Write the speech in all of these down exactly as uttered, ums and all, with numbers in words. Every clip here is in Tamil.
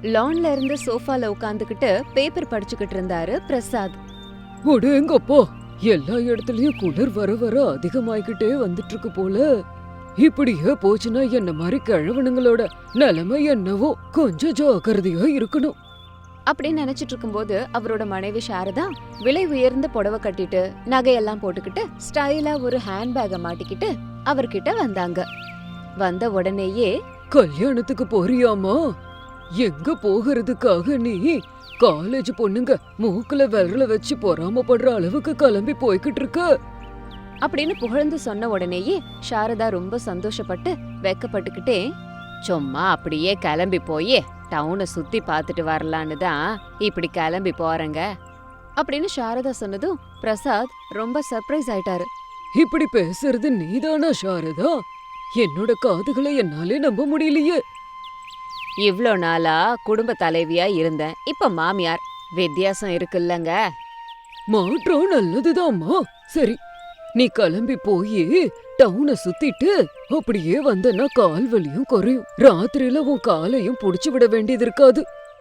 லான்ல இருந்து சோஃபால உட்காந்துக்கிட்டு பேப்பர் படிச்சுக்கிட்டு இருந்தாரு பிரசாத். அடேங்கப்பா, எல்லா இடத்துலயும் குளிர் வர வர அதிகமாயிக்கிட்டே வந்துட்டு இருக்கு போல. இப்படியே போச்சுன்னா என்ன மாதிரி கிழவனுங்களோட நிலைமை என்னவோ. கொஞ்சம் ஜாக்கிரதையா இருக்கணும் அப்படின்னு நினைச்சிட்டு இருக்கும்போது அவரோட மனைவி சாரதா விலை உயர்ந்த புடவை கட்டிட்டு நகையெல்லாம் போட்டுக்கிட்டு ஸ்டைலா ஒரு ஹேண்ட்பேக மாட்டிக்கிட்டு அவர்கிட்ட வந்தாங்க. வந்த உடனேயே, கல்யாணத்துக்கு போறியாமா? எங்க போகிறதுக்காக நீ காலேஜ் பொண்ணுங்க மூக்குல விரல வச்சு பொறாமப்படுற அளவுக்கு கிளம்பி போய்கிட்டு இருக்க அப்படின்னு புகழ்ந்து சொன்ன உடனேயே சாரதா ரொம்ப சந்தோஷப்பட்டு வெக்கப்பட்டுக்கிட்டே, சும்மா அப்படியே கிளம்பி போய் டவுனை சுத்தி பார்த்துட்டு வரலான்னு தான் இப்படி கிளம்பி போறேங்க அப்படின்னு சாரதா சொன்னதும் பிரசாத் ரொம்ப சர்ப்ரைஸ் ஆயிட்டாரு. இப்படி பேசுறது நீதானா சாரதா? என்னோட காதுகளை என்னாலே நம்ப முடியலையே. இவ்ளோ நாளா குடும்ப தலைவியா இருந்தேன், இப்ப மாமியார், வித்தியாசம் இருக்குல்லங்க. மாற்றம் நல்லதுதாம்மா. சரி, நீ கிளம்பி போய் டவுனை சுத்திட்டு அப்படியே வந்தனா கால் வலியும் குறையும். ராத்திரியில உன் காலையும் புடிச்சு விட வேண்டியது இருக்காது.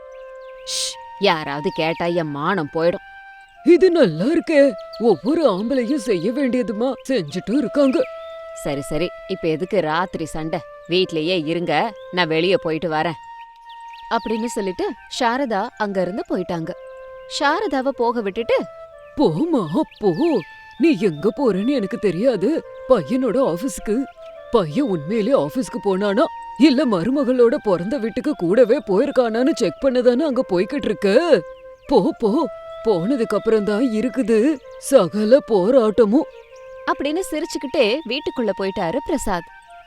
யாராவது கேட்டா என் மானம் போயிடும். இது நல்லா இருக்கே. ஒவ்வொரு ஆம்பளையும் செய்ய வேண்டியதுமா செஞ்சுட்டு இருக்காங்க. சரி சரி, இப்ப எதுக்கு ராத்திரி சண்டை? வீட்லயே இருங்க, நான் வெளியே போயிட்டு வரேன் அப்படின்னு சொல்லிட்டு சாரதா அங்க இருந்து போயிட்டாங்க. சாரதாவை போக விட்டுட்டு, போமா போ, நீ எங்க போறேன்னு எனக்கு தெரியாது. பையனோட ஆபீஸ்க்கு. பையன் உண்மையிலே ஆபீஸ்க்கு போனானா இல்ல மருமகளோட பிறந்த வீட்டுக்கு கூடவே போயிருக்கானான்னு செக் பண்ணதானே அங்க போய்கிட்டு இருக்க. போ போ, போனதுக்கு அப்புறம் தான் இருக்குது சகல போராட்டமும் அப்படின்னு சிரிச்சுக்கிட்டே வீட்டுக்குள்ள போயிட்டாரு பிரசாத்.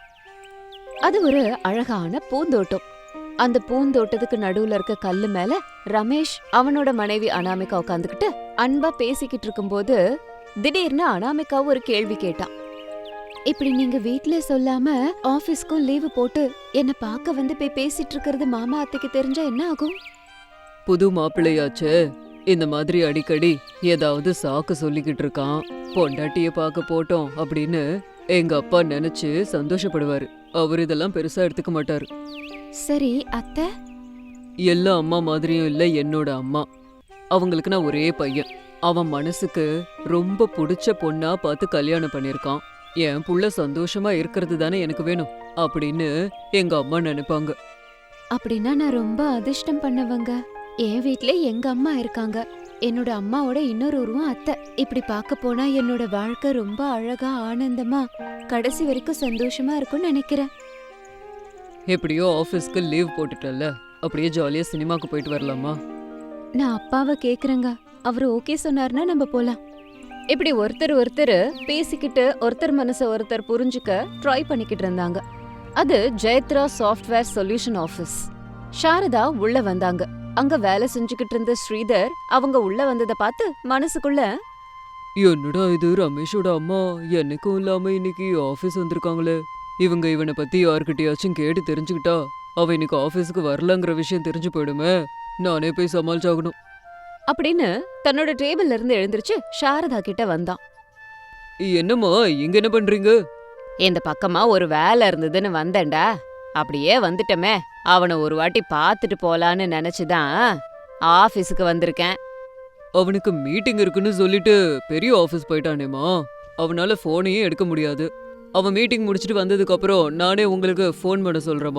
அது ஒரு அழகான பூந்தோட்டம். அந்த பூந்தோட்டத்துக்கு நடுவுல இருக்க கல்லு மேல ரமேஷ் அவனோட மனைவி அனாமிகா உட்காந்துக்கிட்டு அன்பா பேசிக்கிட்டு இருக்கும்போது திடீர்னு அனாமிகா ஒரு கேள்வி கேட்டான். இப்படி நீங்க வீட்ல சொல்லாம ஆபீஸ்க்கும் லீவு போட்டு என்ன பாக்க வந்து போய் பேசிட்டு இருக்கிறது மாமா அத்தைக்கு தெரிஞ்சா என்ன ஆகும்? புது மாப்பிள்ளையாச்சே, இந்த மாதிரி அடிக்கடி ஏதாவது சாக்கு சொல்லிக்கிட்டு இருக்கான். பொண்டாட்டிய பார்க்க போட்டோம் அப்படின்னு எங்க அப்பா நினைச்சு சந்தோஷப்படுவாரு. அவர் இதெல்லாம் பெருசா எடுத்துக்க மாட்டாரு. சரி அத்தை. எல்லா அம்மா மாதிரியும் இல்ல என்னோட அம்மா. அவங்களுக்கு நான் ஒரே பையன். அவன் மனசுக்கு ரொம்ப பிடிச்ச பொண்ணா பார்த்து கல்யாணம் பண்ணிருக்கான். என் புள்ள சந்தோஷமா இருக்கிறது தானே எனக்கு வேணும் அப்படின்னு எங்க அம்மா நினைப்பாங்க. அப்படின்னா நான் ரொம்ப அதிர்ஷ்டம் பண்ணவங்க. என் வீட்ல எங்க அம்மா இருக்காங்க, என்னோட அம்மாவோட இன்னொரு உருவம் அத்தை. இப்படி பார்க்க போனா என்னோட வாழ்க்கை ரொம்ப அழகா ஆனந்தமா கடைசி வரைக்கும் சந்தோஷமா இருக்கும்னு நினைக்கிறேன். எப்படியோ ஆபீஸ்க்கு லீவ் போட்டுட்டல, அப்படியே ஜாலியா சினிமாக்கு போயிட்டு வரலாமா? நான் அப்பாவை கேக்குறேங்க, அவரு ஓகே சொன்னார்னா நம்ம போலாம். இப்படி ஒருத்தர் ஒருத்தர் பேசிக்கிட்டு ஒருத்தர் மனச ஒருத்தர் புரிஞ்சுக்க ட்ரை பண்ணிக்கிட்டு இருந்தாங்க. அது Jayathra software solution office. Sarada உள்ள வந்தாங்க. அங்க வேலை செஞ்சுக்கிட்டு இருந்த ஸ்ரீதர் அவங்க உள்ள வந்ததை பார்த்து மனசுக்குள்ள, என்னடா இது, ரமேஷோட அம்மா என்னைக்கும் இல்லாம இன்னைக்கு ஆபீஸ் வந்திருக்காங்களே. இவங்க இவனை பத்தி யார்கிட்டயாச்சும் கேட்டு தெரிஞ்சுக்கிட்டா அவ இன்னைக்கு ஆபீஸுக்கு வரலங்கிற விஷயம் தெரிஞ்சு போயிடுமே. நானே போய் சமாளிச்சாகணும் அப்படின்னு தன்னோட டேபிள்ல இருந்து எழுந்திருச்சு சாரதா கிட்ட வந்தான். என்னம்மா இங்க என்ன பண்றீங்க? இந்த பக்கமா ஒரு வேலை இருந்ததுன்னு வந்தேன்டா. அப்படியே வந்துட்டமே, அவனை ஒரு வாட்டி பாத்துட்டு போலான்னு நினைச்சுதான் ஆபீஸுக்கு வந்திருக்கேன். அவனுக்கு மீட்டிங் இருக்குன்னு சொல்லிட்டு பெரிய ஆபீஸ் போயிட்டானேமா. அவனால போனையே எடுக்க முடியாது. அவன் மீட்டிங் முடிச்சிட்டு வந்ததுக்கு அப்புறம் நானே உங்களுக்கு போன் பண்ண சொல்றேமா.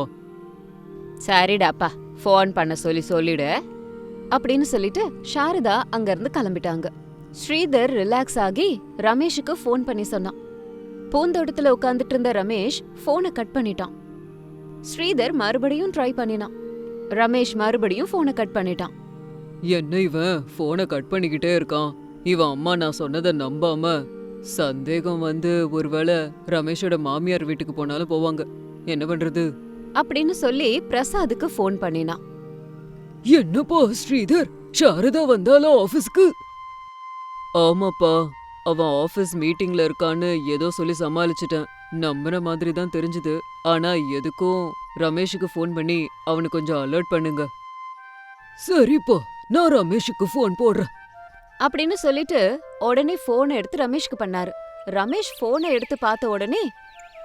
சரிடாப்பா, போன் பண்ண சொல்லி சொல்லிடு அப்படின்னு சொல்லிட்டு சாரதா அங்க இருந்து கிளம்பிட்டாங்க. ஸ்ரீதர் ரிலாக்ஸ் ஆகி ரமேஷுக்கு போன் பண்ணி சொன்னான். பூந்தோட்டத்துல உட்காந்துட்டு இருந்த ரமேஷ் போனை கட் பண்ணிட்டான். ஸ்ரீதர் மறுபடியும் ட்ரை பண்ணினான். ரமேஷ் மறுபடியும் போனை கட் பண்ணிட்டான். என்ன இவன் போனை கட் பண்ணிக்கிட்டே இருக்கான்? இவன் அம்மா நான் சொன்னதை நம்பாம சந்தேகம் வந்து ஒருவேளை ரமேஷோட மாமியார் வீட்டுக்கு போனாலும் போவாங்க. என்ன பண்றது அப்படின்னு சொல்லி பிரசாதுக்கு போன் பண்ணினான். என்னப்பா ஸ்ரீதர், சாரதா வந்தாலா ஆபீஸ்க்கு? ஆமாப்பா, அவன் ஆபீஸ் மீட்டிங்ல இருக்கான்னு ஏதோ சொல்லி சமாளிச்சிட்டேன். நம்புற மாதிரி தான் தெரிஞ்சது. ஆனா எதுக்கும் ரமேஷுக்கு ஃபோன் பண்ணி அவனை கொஞ்சம் அலர்ட் பண்ணுங்க. சரிப்பா, நான் ரமேஷுக்கு ஃபோன் போடுறேன் அப்படின்னு சொல்லிட்டு உடனே போனை எடுத்து ரமேஷ்க்கு பண்ணாரு. ரமேஷ் போனை எடுத்து பார்த்த உடனே,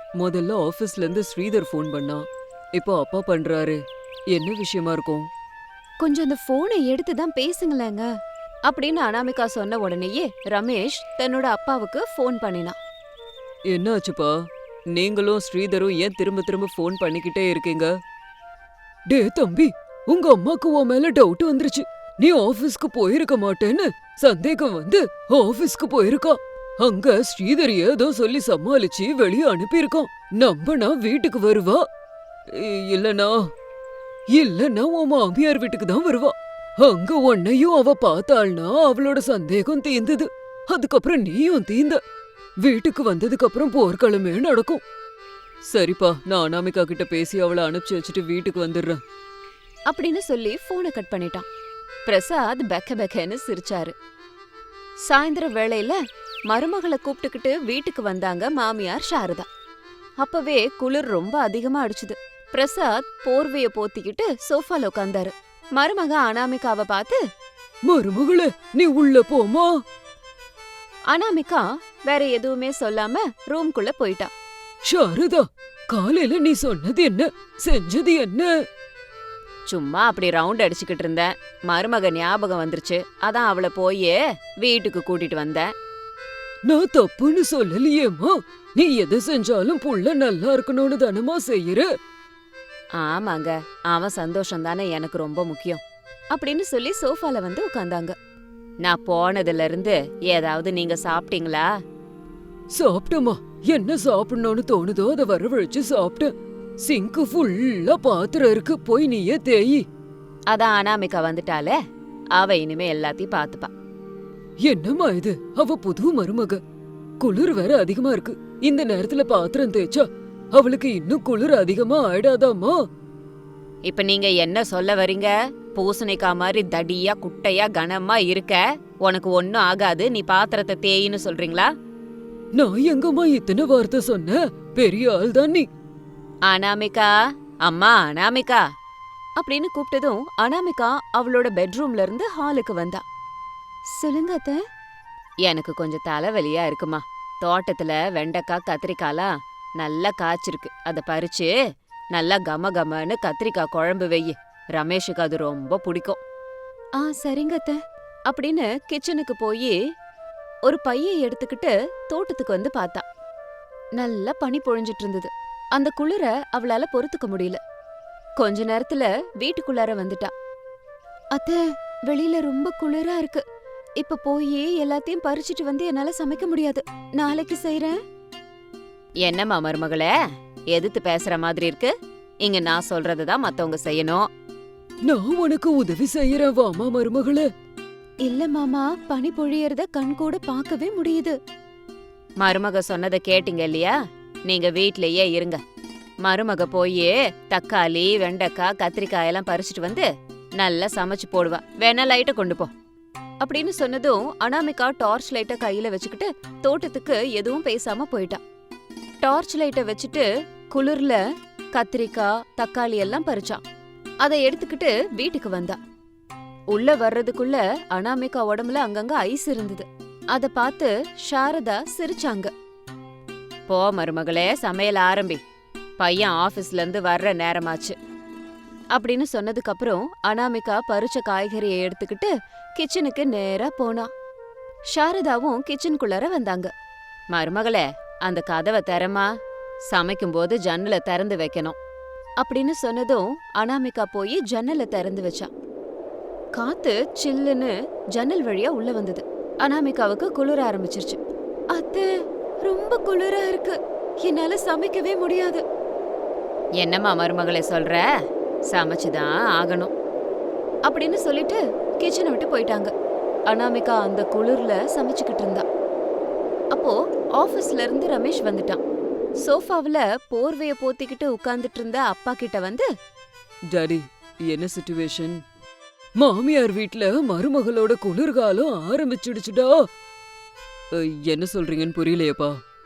முதல்ல ஆபீஸ்ல இருந்து ஸ்ரீதர் ஃபோன் பண்ணா, இப்போ அப்பா பண்றாரு. என்ன விஷயமா இருக்கும்? கொஞ்சம் அந்த போனை எடுத்து தான் பேசுங்களேங்க அப்படின்னு அனாமிகா சொன்ன உடனேயே ரமேஷ் தன்னோட அப்பாவுக்கு ஃபோன் பண்ணினான். என்னாச்சுப்பா? நீங்களும் ஸ்ரீதரும் ஏன் திரும்ப திரும்ப ஃபோன் பண்ணிக்கிட்டே இருக்கீங்க? டே தம்பி, உங்க அம்மாக்கு உன் மேல டவுட் வந்துருச்சு. நீ ஆபீஸ்க்கு போயிருக்க மாட்டேன்னு சந்தேகம் வந்து ஆபீஸ்க்கு போயிருக்கா. அங்க ஸ்ரீதர் ஏதோ சொல்லி சமாளிச்சு வெளியே அனுப்பியிருக்கான். நம்பனா வீட்டுக்கு வருவா, இ- இல்லனா இல்லனா உன் மாமியார் வீட்டுக்கு தான் வருவா. அங்க உன்னையும் அவ பார்த்தாள்னா அவளோட சந்தேகம் தீர்ந்தது. அதுக்கப்புறம் நீயும் தீந்த. வீட்டுக்கு வந்ததுக்கு அப்புறம் போர்க்களமே நடக்கும். சரிப்பா, நான் அனாமிகா கிட்ட பேசி அவளை அனுப்பிச்சு வச்சுட்டு வீட்டுக்கு வந்துடுறேன் அப்படின்னு சொல்லி போனை கட் பண்ணிட்டான். பிரசாத் பெக்க பெக்கன்னு சிரிச்சாரு. சாயந்தர வேளையில மருமகளை கூப்பிட்டுக்கிட்டு வீட்டுக்கு வந்தாங்க மாமியார் சாரதா. அப்பவே குளிர் ரொம்ப அதிகமா அடிச்சுது. பிரசாத் போர்வைய போத்திக்கிட்டு சோஃபால உட்கார்ந்தாரு. மருமக அனாமிகாவை பார்த்து, மருமகளே நீ உள்ள போமா. அனாமிகா வேற எதுவுமே சொல்லாம ரூம்குள்ள போயிட்டா. சாரதா, காலையில நீ சொன்னது என்ன, செஞ்சது என்ன? சும்மா அப்படி ரவுண்ட் அடிச்சுக்கிட்டு இருந்தேன். மருமக ஞாபகம் வந்துருச்சு, அதான் அவளை போயே வீட்டுக்கு கூட்டிட்டு வந்தேன். நான் தப்புன்னு சொல்லலையேம்மா. நீ எதை செஞ்சாலும் புள்ள நல்லா இருக்கணும்னு தானமா செய்யற. ஆமாங்க, அவன் சந்தோஷம் தானே எனக்கு ரொம்ப முக்கியம் அப்படின்னு சொல்லி சோஃபால வந்து உட்கார்ந்தாங்க. நான் போனதுல இருந்து ஏதாவது நீங்க சாப்பிட்டீங்களா? சாப்பிட்டமா, என்ன சாப்பிடணும்னு தோணுதோ அதை வரவழைச்சு சாப்பிட்டேன். சிங்கு ஃபுல்லா பாத்திரம் இருக்கு, போய் நீயே தேயி. அதான் அனாமிகா வந்துட்டாலே, அவ இனிமே எல்லாத்தையும் பாத்துப்பா. என்னம்மா இது, அவ புது மருமக. குளிர் வேற அதிகமா இருக்கு. இந்த நேரத்துல பாத்திரம் தேய்ச்சா அவளுக்கு இன்னும் குளிர் அதிகமா ஆயிடாதாமா? இப்ப நீங்க என்ன சொல்ல வரீங்க? பூசணிக்காய் மாதிரி தடியா குட்டையா கனமா இருக்க, உனக்கு ஒன்னும் ஆகாது, நீ பாத்திரத்தை தேயின்னு சொல்றீங்களா? நான் எங்கம்மா இத்தனை வார்த்தை சொன்ன? பெரிய ஆள் தான் நீ. அனாமிகா, அம்மா அனாமிகா அப்படின்னு கூப்பிட்டதும் அனாமிகா அவளோட பெட்ரூம்ல இருந்து ஹாலுக்கு வந்தா. சொல்லுங்க அத்தை. எனக்கு கொஞ்சம் தலைவலியா இருக்குமா. தோட்டத்துல வெண்டைக்காய் கத்திரிக்காய்லாம் நல்லா காய்ச்சிருக்கு, அதை பறிச்சு நல்லா கம கமன்னு கத்திரிக்காய் குழம்பு வெய்யி. ரமேஷுக்கு அது ரொம்ப பிடிக்கும். ஆ சரிங்க அத்தை அப்படின்னு கிச்சனுக்கு போய் ஒரு பையை எடுத்துக்கிட்டு தோட்டத்துக்கு வந்து பார்த்தா. நல்லா பனி பொழிஞ்சிட்டு இருந்தது. அந்த குளிர அவளால பொறுத்துக்க முடியல. கொஞ்ச நேரத்துல வீட்டுக்குள்ளார வந்துட்டா. அத்தை, வெளியில ரொம்ப குளிரா இருக்கு. இப்ப போய் எல்லாத்தையும் பறிச்சிட்டு வந்து என்னால சமைக்க முடியாது. நாளைக்கு செய்றேன். என்னம்மா மருமகளே, எதிர்த்து பேசுற மாதிரி இருக்கு? இங்க நான் சொல்றதுதான் மத்தவங்க செய்யணும். நான் உனக்கு உதவி செய்யறேன் வாமா மருமகளே. இல்ல மாமா, பனி பொழியறத கண் கூட பார்க்கவே முடியுது. மருமக சொன்னதை கேட்டீங்க இல்லையா? நீங்க வீட்லயே இருங்க. மருமக போய் தக்காளி வெண்டைக்காய் கத்திரிக்காய் எல்லாம் பறிச்சிட்டு வந்து நல்லா சமைச்சு போடுவா. வேணா லைட்ட கொண்டு போ அப்படின்னு சொன்னதும் அனாமிகா டார்ச் லைட்ட கையில வச்சுக்கிட்டு தோட்டத்துக்கு எதுவும் பேசாம போயிட்டா. டார்ச் லைட்ட வச்சுட்டு குளிர்ல கத்திரிக்காய் தக்காளி எல்லாம் பறிச்சான். அதை எடுத்துக்கிட்டு வீட்டுக்கு வந்தா. உள்ள வர்றதுக்குள்ள அனாமிகா உடம்புல அங்கங்க ஐஸ் இருந்தது. அத பார்த்து சாரதா சிரிச்சாங்க. போ மருமகளே, சமையல் ஆரம்பி, பையன் ஆபீஸ்ல இருந்து வர்ற நேரமாச்சு அப்படின்னு சொன்னதுக்கு அப்புறம் அனாமிகா பறிச்ச காய்கறியை எடுத்துக்கிட்டு கிச்சனுக்கு நேரா போனா. சாரதாவும் கிச்சனுக்குள்ளார வந்தாங்க. மருமகளே, அந்த கதவை திறமா, சமைக்கும் போது ஜன்னலை திறந்து வைக்கணும் அப்படின்னு சொன்னதும் அனாமிகா போய் ஜன்னலை திறந்து வச்சா. காத்து சில்லுன்னு ஜன்னல் வழியா உள்ள வந்தது. அனாமிகாவுக்கு குளிர ஆரம்பிச்சிருச்சு. அத்தை, ரொம்ப குளிரா இருக்கு, என்னால சமைக்கவே முடியாது. என்னம்மா மருமகளே சொல்ற? சமைச்சுதான் ஆகணும் அப்படின்னு சொல்லிட்டு கிச்சனை விட்டு போயிட்டாங்க. அனாமிகா அந்த குளிர்ல சமைச்சுக்கிட்டு இருந்தா. அப்போ ஆபீஸ்ல இருந்து ரமேஷ் வந்துட்டான். சோஃபாவுல போர்வைய போத்திக்கிட்டு உட்கார்ந்துட்டு இருந்த அப்பா கிட்ட வந்து, டாடி, என்ன சிச்சுவேஷன்? மாமியார் வீட்ல மருமகளோட குளிர்காலம் ஆரம்பிச்சிடுச்சுடா. அ, என்ன சொல்றீங்கன்னு புரியலையப்பா.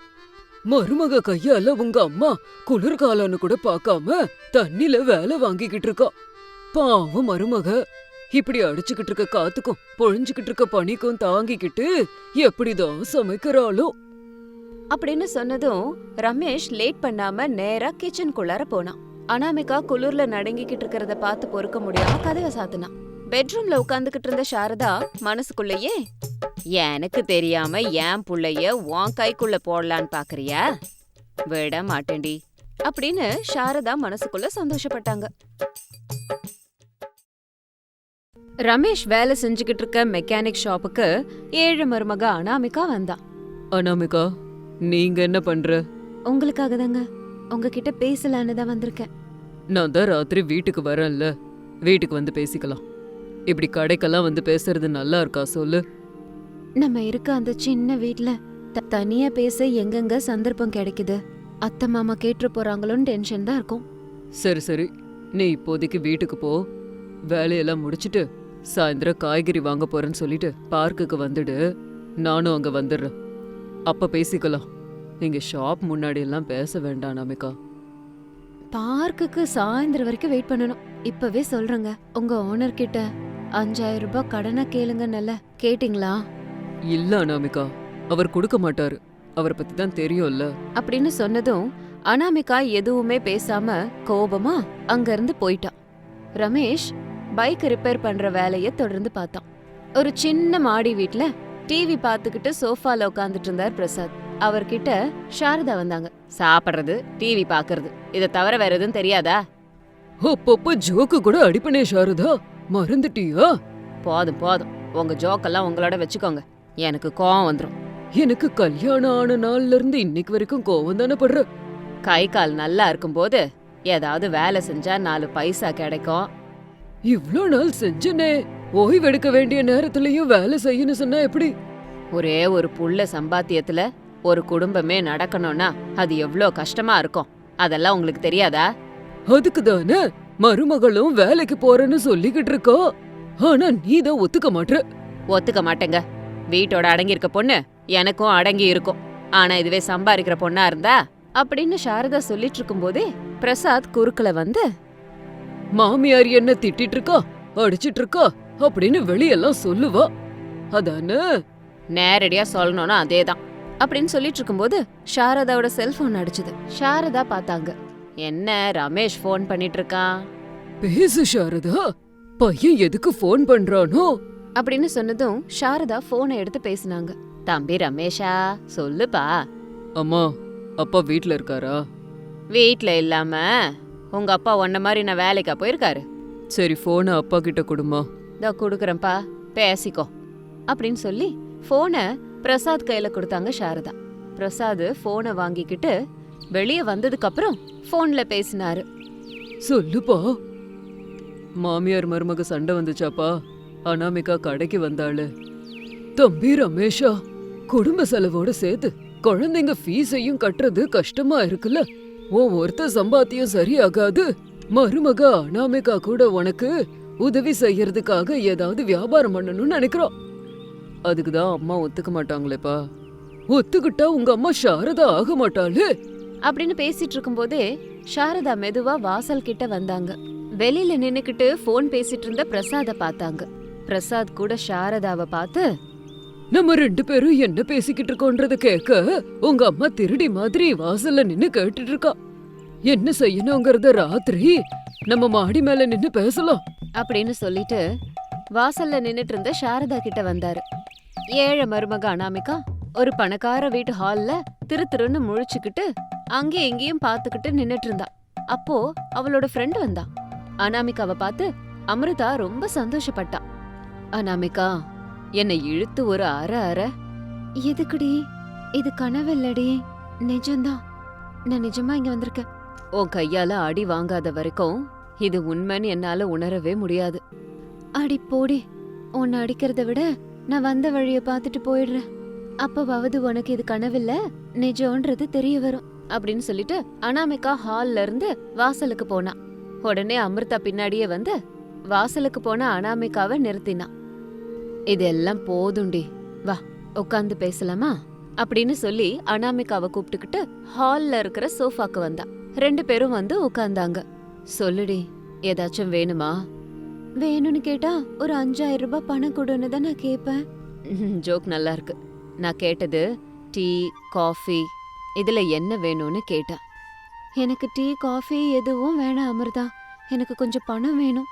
மருமக கையால உங்க அம்மா குளிர்காலம்னு கூட பார்க்காம தண்ணில வேலை வாங்கிக்கிட்டு இருக்கா. பாவம் மருமக இப்படி அடிச்சுக்கிட்டு இருக்க காத்துக்கும் பொழிஞ்சுக்கிட்டு இருக்க பனிக்கும் தாங்கிக்கிட்டு எப்படிதான் சமைக்கிறாளோ அப்படின்னு சொன்னதும் ரமேஷ் லேட் பண்ணாம நேரா கிச்சனுக்குள்ளார போனான். அனாமிகா குளிர்ல நடுங்கிக்கிட்டு இருக்கிறத பார்த்து பொறுக்க முடியாம கதவை சாத்தினா. பெட்ரூம்ல உட்காந்துக்கிட்டு இருந்த சாரதா மனசுக்குள்ளேயே, எனக்கு தெரியாம என் புள்ளைய உன் கைக்குள்ள போடலான்னு பாக்குறியா? விட மாட்டேன்டி அப்படின்னு சாரதா மனசுக்குள்ள சந்தோஷப்பட்டாங்க. ரமேஷ் வேலை செஞ்சுக்கிட்டு இருக்க மெக்கானிக் ஷாப்புக்கு ஏழு மருமக அனாமிகா வந்தா. அனாமிகா, நீங்க என்ன பண்ற? உங்களுக்காக தாங்க, உங்ககிட்ட பேசலான்னு தான் வந்திருக்கேன். நான் தான் ராத்திரி வீட்டுக்கு வரேன்ல, வீட்டுக்கு வந்து பேசிக்கலாம். இப்படி கடைக்கெல்லாம் வந்து பேசுறது நல்லா இருக்கா சொல்லு? நம்ம இருக்க அந்த சின்ன வீட்ல த- தனியா பேச எங்கெங்க சந்தர்ப்பம் கிடைக்குது? அத்தை மாமா கேட்டு போறாங்களோன்னு டென்ஷன் தான் இருக்கும். சரி சரி, நீ இப்போதைக்கு வீட்டுக்கு போ. வேலையெல்லாம் முடிச்சிட்டு சாயந்தரம் காய்கறி வாங்க போறேன்னு சொல்லிட்டு பார்க்குக்கு வந்துடு. நானும் அங்க வந்துடுறேன். அப்ப பேசிக்கலாம். இங்க ஷாப் முன்னாடி எல்லாம் பேச வேண்டாம் அனாமிகா. பார்க்குக்கு சாயந்தரம் வரைக்கும் வெயிட் பண்ணணும். இப்பவே சொல்றேங்க, உங்க ஓனர் கிட்ட அஞ்சாயிரம் ரூபாய் கடனை கேளுங்க. நல்ல கேட்டிங்களா? இல்ல அனாமிகா, அவர் கொடுக்க மாட்டாரு. அவரை பத்தி தான் தெரியும்ல. அப்படின்னு சொன்னதும் அனாமிகா எதுவுமே பேசாம கோபமா அங்க இருந்து போயிட்டான். ரமேஷ் பைக் ரிப்பேர் பண்ற வேலைய தொடர்ந்து பார்த்தான். ஒரு சின்ன மாடி வீட்ல டிவி பார்த்துக்கிட்டு சோஃபால உட்காந்துட்டு இருந்தார் பிரசாத். அவர்கிட்ட சாரதா வந்தாங்க. சாப்பிடுறது, டிவி பாக்குறது, இத தவிர வேற எதுவும் தெரியாதா? அப்பப்ப ஜோக்கு கூட அடிப்பனே சாரதா, மறந்துட்டியா? போதும் போதும், உங்க ஜோக்கெல்லாம் உங்களோட வச்சுக்கோங்க. எனக்கு கோவம் வந்துரும். எனக்கு கல்யாணம் ஆன நாள்ல இருந்து இன்னைக்கு வரைக்கும் கோவம் தானே படுற. கை கால் நல்லா இருக்கும்போது ஏதாவது வேலை செஞ்சா நாலு பைசா கிடைக்கும். இவ்ளோ நாள் செஞ்சனே, ஓய்வெடுக்க வேண்டிய நேரத்துலயும் வேலை செய்யணும் சொன்னா எப்படி? ஒரே ஒரு புள்ள சம்பாத்தியத்துல ஒரு குடும்பமே நடக்கணும்னா அது எவ்ளோ கஷ்டமா இருக்கும். அதெல்லாம் உங்களுக்கு தெரியாதா? அதுக்கு தானே மருமகளும் வேலைக்கு போறேன்னு சொல்லிக்கிட்டு இருக்கா. ஆனா நீ தான் ஒத்துக்க மாட்ற. ஒத்துக்க மாட்டேங்க. வீட்டோட அடங்கி இருக்க பொண்ணு எனக்கும் அடங்கி இருக்கும். ஆனா இதுவே சம்பாதிக்கிற பொண்ணா இருந்தா அப்படின்னு சாரதா சொல்லிட்டு இருக்கும் போதே பிரசாத் குறுக்கல வந்து, மாமியார் என்ன திட்டிட்டு இருக்கா, அடிச்சிட்டு இருக்கா அப்படின்னு வெளியெல்லாம் சொல்லுவா. அதானே? நேரடியா சொல்லணும்னா அதேதான் அப்படின்னு சொல்லிட்டு இருக்கும்போது சாரதாவோட செல்போன் அடிச்சுது. சாரதா பார்த்தாங்க. என்ன ரமேஷ் ஃபோன் பண்ணிட்டு இருக்கான்? பேசு சாரதா, பையன் எதுக்கு ஃபோன் பண்றானோ அப்படின்னு சொன்னதும் சாரதா போனை எடுத்து பேசினாங்க. தம்பி ரமேஷா, சொல்லுப்பா. அம்மா, அப்பா வீட்ல இருக்காரா? வீட்ல இல்லாம உங்க அப்பா உன்ன மாதிரி நான் வேலைக்கா போயிருக்காரு? சரி, போனை அப்பா கிட்ட கொடுமா. இதோ குடுக்கறேன்ப்பா, பேசிக்கோ அப்படின்னு சொல்லி போனை பிரசாத் கையில கொடுத்தாங்க சாரதா. பிரசாத் போனை வாங்கிக்கிட்டு வெளியே வந்ததுக்கு அப்புறம் போன்ல பேசினாரு. சொல்லுப்பா. மாமியார் மருமக சண்டை வந்துச்சாப்பா? அனாமிகா கடைக்கு வந்தாளு. தம்பி ரமேஷா, குடும்ப செலவோட சேர்த்து குழந்தைங்க ஃபீஸையும் கட்டுறது கஷ்டமா இருக்குல்ல. உன் ஒருத்த சம்பாத்தியம் சரியாகாது. மருமக அனாமிகா கூட உனக்கு உதவி செய்யறதுக்காக ஏதாவது வியாபாரம் பண்ணணும்னு நினைக்கிறோம். அதுக்குதான் அம்மா ஒத்துக்க மாட்டாங்களேப்பா. ஒத்துக்கிட்டா உங்க அம்மா சாரதா ஆக மாட்டாளு அப்படின்னு பேசிட்டு இருக்கும்போதே சாரதா மெதுவா வாசல் கிட்ட வந்தாங்க. வெளியில நின்னுக்கிட்டு போன் பேசிட்டு இருந்த பிரசாத பார்த்தாங்க. பிரசாத் கூட சாரதாவை பார்த்து, நம்ம ரெண்டு பேரும் என்ன பேசிக்கிட்டு இருக்கோன்றத கேட்க உங்க அம்மா திருடி மாதிரி வாசல்ல நின்னு கேட்டுட்டு இருக்கா. என்ன செய்யணுங்கிறத ராத்திரி நம்ம மாடி மேல நின்னு பேசலாம் அப்படின்னு சொல்லிட்டு வாசல்ல நின்னுட்டு இருந்த சாரதா கிட்ட வந்தாரு. ஏழை மருமக அனாமிகா ஒரு பணக்கார வீட்டு ஹால்ல திரு திருன்னு முழிச்சுக்கிட்டு அங்கேயும் இங்கேயும் பாத்துக்கிட்டு நின்னுட்டு இருந்தா. அப்போ அவளோட ஃப்ரெண்ட் வந்தா. அனாமிகாவை பார்த்து அமிர்தா ரொம்ப சந்தோஷப்பட்டா. அனாமிகா, என்னை இழுத்து ஒரு அற அற. எதுக்குடி? இது கனவில்லடி, நிஜம்தான். நான் நிஜமா இங்க வந்திருக்கேன். உன் கையால அடி வாங்காத வரைக்கும் இது உண்மைன்னு என்னால உணரவே முடியாது. அடி போடி, உன்னை அடிக்கிறத விட நான் வந்த வழிய பாத்துட்டு போயிடுறேன். அப்பவாவது உனக்கு இது கனவில்ல, நிஜம்ன்றது தெரிய வரும் அப்படின்னு சொல்லிட்டு அனாமிகா ஹால்ல இருந்து வாசலுக்கு போனா. உடனே அமிர்தா பின்னாடியே வந்து வாசலுக்கு போன அனாமிகாவை நிறுத்தினா. இதெல்லாம் போதுண்டி, வா உட்காந்து பேசலாமா அப்படின்னு சொல்லி அனாமிகாவை கூப்பிட்டுக்கிட்டு ஹால்ல இருக்கிற சோஃபாக்கு வந்தா. ரெண்டு பேரும் வந்து உட்கார்ந்தாங்க. சொல்லுடி, ஏதாச்சும் வேணுமா? வேணும்னு கேட்டா ஒரு அஞ்சாயிரம் ரூபாய் பணம் கொடுன்னு தான் நான் கேட்பேன். ஜோக் நல்லா இருக்கு. நான் கேட்டது டீ, காஃபி, இதுல என்ன வேணும்னு கேட்டேன். எனக்கு டீ காஃபி எதுவும் வேணாம் அமிர்தா. எனக்கு கொஞ்சம் பணம் வேணும்.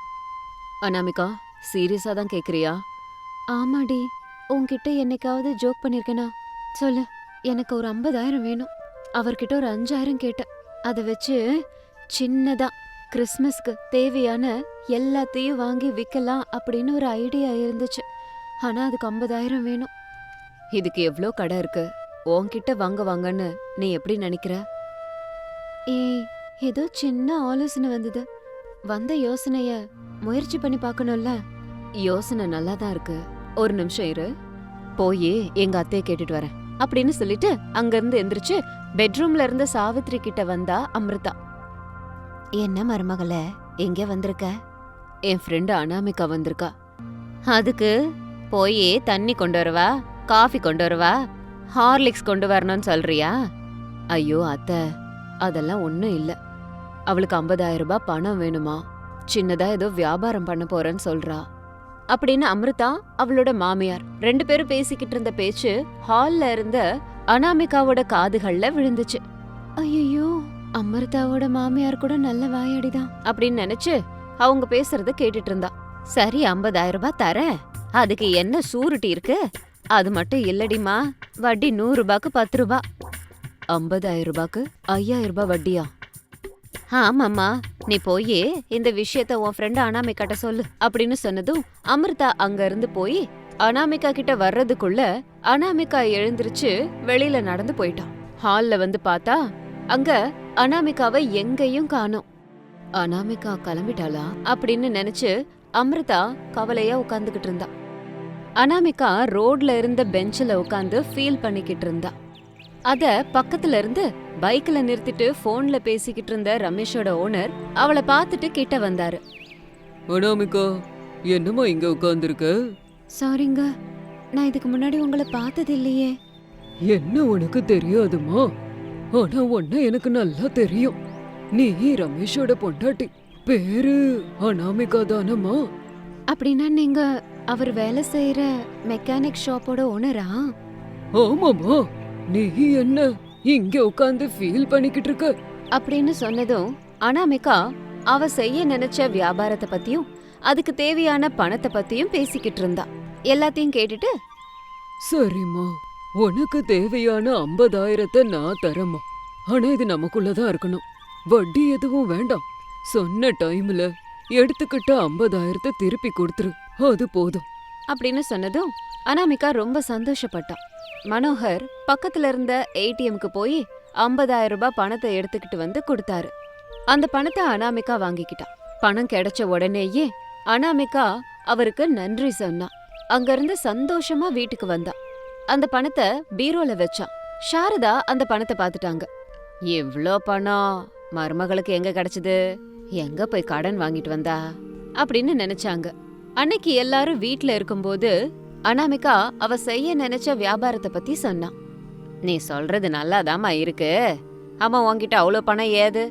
அனாமிகா, சீரியஸா தான் கேக்குறியா? ஆமாடி. உன்கிட்ட என்னைக்காவது ஜோக் பண்ணிருக்கேனா? சொல்லு. எனக்கு ஒரு ஐம்பதாயிரம் வேணும். அவர்கிட்ட ஒரு அஞ்சாயிரம் கேட்டேன். அதை வச்சு சின்னதா கிறிஸ்மஸ்க்கு தேவையான எல்லாத்தையும் வாங்கி விற்கலாம் அப்படின்னு ஒரு ஐடியா இருந்துச்சு. ஆனா அதுக்கு ஐம்பதாயிரம் வேணும். இதுக்கு எவ்வளோ கடை இருக்கு? உன்கிட்ட வாங்க வாங்கன்னு நீ எப்படி நினைக்கிற? ஏய், ஏதோ சின்ன ஆலோசனை வந்தது. வந்த யோசனைய முயற்சி பண்ணி பார்க்கணும்ல. யோசனை நல்லா தான் இருக்கு. ஒரு நிமிஷம் இரு, போய் எங்க அத்தையை கேட்டுட்டு வரேன் அப்படின்னு சொல்லிட்டு அங்கிருந்து எந்திரிச்சு பெட்ரூம்ல இருந்த சாவித்ரி கிட்ட வந்தா அமிர்தா. என்ன மருமகளே, எங்க வந்திருக்க? என் ஃப்ரெண்டு அனாமிகா வந்திருக்கா. அதுக்கு போய் தண்ணி கொண்டு வரவா, காஃபி கொண்டு வரவா, ஹார்லிக்ஸ் கொண்டு வரணும்னு சொல்றியா? ஐயோ அத்தை, அதெல்லாம் ஒன்றும் இல்லை. அவளுக்கு ஐம்பதாயிரம் ரூபாய் பணம் வேணுமா, சின்னதா ஏதோ வியாபாரம் பண்ண போறேன்னு சொல்றா அப்படின்னு அமிர்தா அவளோட மாமியார் ரெண்டு பேரும் பேசிக்கிட்டு இருந்த பேச்சு ஹால்ல இருந்த அனாமிகாவோட காதுகள்ல விழுந்துச்சு. ஐயோ, அமிர்தாவோட மாமியார் கூட நல்ல வாயாடிதான் அப்படின்னு நினைச்சு அவங்க பேசுறத கேட்டுட்டு இருந்தா. சரி, ஐம்பதாயிரம் ரூபாய் தரேன். அதுக்கு என்ன சூருட்டி இருக்கு? அது மட்டும் இல்லடிமா, வட்டி நூறு ரூபாய்க்கு பத்து ரூபாய். ஐம்பதாயிரம் ரூபாய்க்கு ஐயாயிரம் ரூபாய் வட்டியா? ஆமாம்மா, நீ போய் இந்த விஷயத்த உன் ஃப்ரெண்டு அனாமிகாட்ட சொல்லு அப்படின்னு சொன்னதும் அமிர்தா அங்க இருந்து போய் அனாமிகா கிட்ட வர்றதுக்குள்ள அனாமிகா எழுந்திருச்சு வெளியில நடந்து போயிட்டான். ஹால்ல வந்து பார்த்தா அங்க அனாமிகாவை எங்கேயும் காணோம். அனாமிகா கிளம்பிட்டாளா அப்படின்னு நினைச்சு அமிர்தா கவலையா உட்கார்ந்துகிட்டு இருந்தா. அனாமிகா ரோட்ல இருந்த பெஞ்சில உட்கார்ந்து ஃபீல் பண்ணிக்கிட்டு இருந்தா. அத பக்கத்துல இருந்து பைக்ல நிறுத்திட்டு போன்ல பேசிக்கிட்டு இருந்த ரமேஷோட ஓனர் அவளை பார்த்துட்டு கிட்ட வந்தாரு. அனாமிகா, என்னம்மா இங்க உட்கார்ந்துருக்க? சாரிங்க, நான் இதுக்கு முன்னாடி உங்களை பார்த்தது இல்லையே. என்ன உனக்கு தெரியாதுமா? ஆனா உன்ன எனக்கு நல்லா தெரியும். நீ ரமேஷோட பொண்டாட்டி. பேரு அனாமிகா தானம்மா? அப்படின்னா நீங்க அவர் வேலை செய்யற மெக்கானிக் ஷாப்போட ஓனரா? ஆமாமா. நீ என்ன இங்க உட்கார்ந்து ஃபீல் பண்ணிக்கிட்டு இருக்க அப்படின்னு சொன்னதும் அனாமிகா அவ செய்ய நினைச்ச வியாபாரத்தை பத்தியும் அதுக்கு தேவையான பணத்தை பத்தியும் பேசிக்கிட்டு இருந்தா. எல்லாத்தையும் கேட்டுட்டு, சரிம்மா, உனக்கு தேவையான ஐம்பதாயிரத்தை நான் தரேம்மா. ஆனா இது நமக்குள்ளதான் இருக்கணும். வட்டி எதுவும் வேண்டாம். சொன்ன டைம்ல எடுத்துக்கிட்ட ஐம்பதாயிரத்தை திருப்பி கொடுத்துரு, அது போதும் அப்படின்னு சொன்னதும் அனாமிகா ரொம்ப சந்தோஷப்பட்டான். மனோகர் பக்கத்துல இருந்த ஏடிஎம்க்கு போய் ஐம்பதாயிரம் ரூபாய் பணத்தை எடுத்துக்கிட்டு வந்து கொடுத்தாரு. அந்த பணத்தை அனாமிகா வாங்கிக்கிட்டான். பணம் கிடைச்ச உடனேயே அனாமிகா அவருக்கு நன்றி சொன்னா. அங்கிருந்து சந்தோஷமா வீட்டுக்கு வந்தா. அந்த பணத்தை பீரோல வச்சான். சாரதா அந்த பணத்தை பாத்துட்டாங்க. எவ்ளோ பணம் மருமகளுக்கு எங்க கிடைச்சது? எங்க போய் கடன் வாங்கிட்டு வந்தா அப்படின்னு நினைச்சாங்க. அன்னைக்கு எல்லாரும் வீட்ல இருக்கும்போது அனாமிகா அவ செய்ய நினைச்ச வியாபாரத்தை பத்தி சொன்னா. நீ சொல்றது நல்லாதாம்மா இருக்கு. ஆமா, உன்கிட்ட அவ்வளோ பணம் ஏது?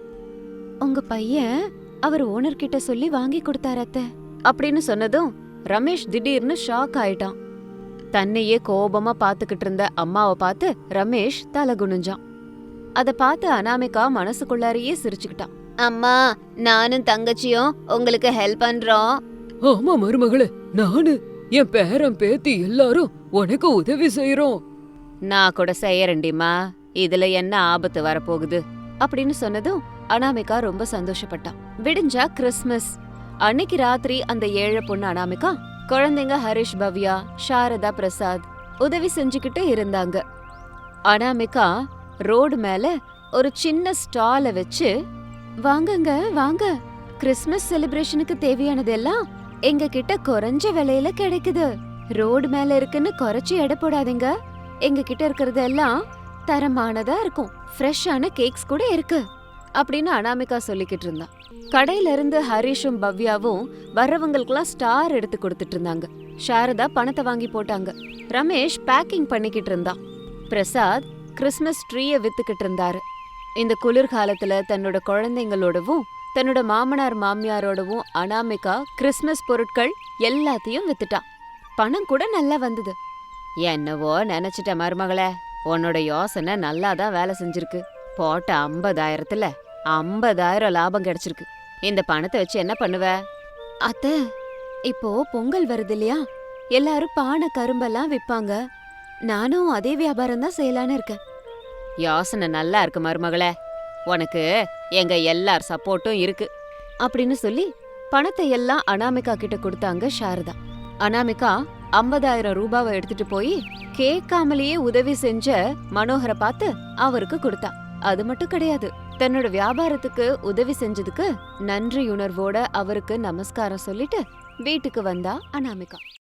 உங்க பையன் அவர் ஓனர் கிட்ட சொல்லி வாங்கி கொடுத்தாரு அத்தை அப்படின்னு சொன்னதும் ரமேஷ் திடீர்னு ஷாக் ஆயிட்டான். தன்னையே கோபமா பாத்துக்கிட்டு இருந்த அம்மாவை பார்த்து ரமேஷ் தலை குனிஞ்சான். அத பார்த்து அனாமிகா மனசுக்குள்ளாரையே சிரிச்சுக்கிட்டான். அம்மா, நானும் தங்கச்சியும் உங்களுக்கு ஹெல்ப் பண்றோம். ஆமா மருமகளே, நானு என் பேரன் பேத்தி எல்லாரும் உனக்கு உதவி செய்யறோம். நான் கூட செய்யறேன்டிமா, இதுல என்ன ஆபத்து வரப்போகுது அப்படின்னு சொன்னதும் அனாமிகா ரொம்ப சந்தோஷப்பட்டான். விடிஞ்சா கிறிஸ்மஸ் அன்னைக்கு ராத்திரி அந்த ஏழை பொண்ணு அனாமிகா குழந்தைங்க ஹரிஷ், பவ்யா, சாரதா, பிரசாத் உதவி செஞ்சுக்கிட்டு இருந்தாங்க. அனாமிகா ரோடு மேல ஒரு சின்ன ஸ்டால வச்சு, வாங்கங்க வாங்க, கிறிஸ்மஸ் செலிப்ரேஷனுக்கு தேவையானதெல்லாம் எங்க கிட்ட குறைஞ்ச விலையில கிடைக்குது. ரோடு மேல இருக்குன்னு குறைச்சு எடை போடாதீங்க. எங்க கிட்ட இருக்கிறது எல்லாம் தரமானதா இருக்கும். ஃப்ரெஷ்ஷான கேக்ஸ் கூட இருக்கு அப்படின்னு அனாமிகா சொல்லிக்கிட்டு இருந்தா. கடையில இருந்து ஹரிஷும் பவ்யாவும் வர்றவங்களுக்குலாம் ஸ்டார் எடுத்து கொடுத்துட்டு இருந்தாங்க. சாரதா பணத்தை வாங்கி போட்டாங்க. ரமேஷ் பேக்கிங் பண்ணிக்கிட்டு இருந்தான். பிரசாத் கிறிஸ்மஸ் ட்ரீய வித்துக்கிட்டு இருந்தாரு. இந்த குளிர்காலத்துல தன்னோட குழந்தைங்களோடவும் தன்னோட மாமனார் மாமியாரோடவும் அனாமிகா கிறிஸ்மஸ் பொருட்கள் எல்லாத்தையும் வித்துட்டான். பணம் கூட நல்லா வந்தது. என்னவோ நினைச்சிட்ட மருமகளே, உன்னோட யோசனை நல்லாதான் வேலை செஞ்சிருக்கு. போட்ட ஐம்பதாயிரத்துல ஐம்பதாயிரம் லாபம் கிடைச்சிருக்கு. இந்த பணத்தை வச்சு என்ன பண்ணுவ? அத்த, இப்போ பொங்கல் வருது இல்லையா, எல்லாரும் பானை கரும்பெல்லாம் விப்பாங்க. நானும் அதே வியாபாரம் தான் செய்யலான்னு இருக்கேன். யோசனை நல்லா இருக்கு மருமகளே, உனக்கு எங்க எல்லார் சப்போர்ட்டும் இருக்கு அப்படின்னு சொல்லி பணத்தை எல்லாம் அனாமிகா கிட்ட கொடுத்தாங்க சாரதா. அனாமிகா ஐம்பதாயிரம் ரூபாவை எடுத்துட்டு போய் கேட்காமலேயே உதவி செஞ்ச மனோகரை பார்த்து அவருக்கு கொடுத்தா. அது மட்டும் கிடையாது, தன்னோட வியாபாரத்துக்கு உதவி செஞ்சதுக்கு நன்றியுணர்வோட அவருக்கு நமஸ்காரம் சொல்லிட்டு வீட்டுக்கு வந்தா அனாமிகா.